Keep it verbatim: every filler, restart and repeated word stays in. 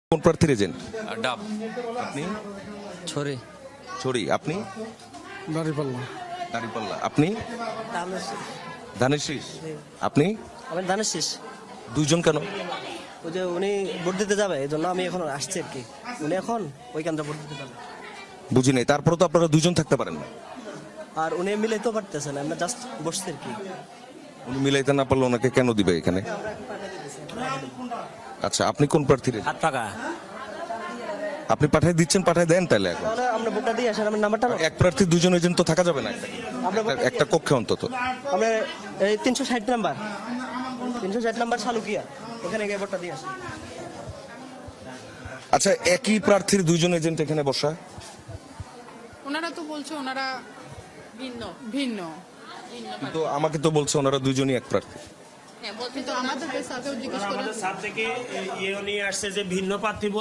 কোন প্রার্থীর এজেন্ট? ডাব। আপনি? ছড়ি ছড়ি। আপনি? দাঁড়িপাল্লা। দাঁড়িপাল্লা। আপনি? ধানের শীষ। আপনি? আমি ধানের শীষ। দুইজন কেন? ওই যে উনি ভোট দিতে যাবে এই জন্য আমি এখন আসছি আর কি। উনি এখন ওইখানটা ভোট দিতে যাবে বুঝি নাই। তারপরে তো আপনারা দুইজন থাকতে পারেন না। আর উনি মিলাইতেও পারতেছেন, আমরা জাস্ট বসছি আর কি। উনি মিলাইতে না পারলে ওনাকে কেন দিবে এখানে? আচ্ছা, আপনি কোন প্রার্থীর agent? হাত পাকা আপনি পাঠাই দিচ্ছেন, পাঠাই দেন তাহলে এখন। তাহলে আমরা ভোটটা দিয়ে আসেন, আমার নাম্বারটা নাও। এক প্রার্থী দুজন এজেন্ট তো থাকা যাবে না একটা- আমরা একটা- একটা কক্ষে অন্তত। আমরা এই তিনশো ষাট নাম্বার তিনশো ষাট নাম্বার সালুকিয়া, ওখানে গিয়ে ভোটটা দিয়ে আসি। আচ্ছা, একই প্রার্থীর দুইজন এজেন্ট এখানে বসা? ওনারা তো বলছে ওনারা ভিন্ন ভিন্ন তো আমাকে তো বলছে ওনারা দুইজনই এক প্রার্থী। কিন্তু আমাদের স্যারকেও জিজ্ঞেস করে স্যার থেকে ইয়ে নিয়ে আসছে যে ভিন্ন প্রার্থী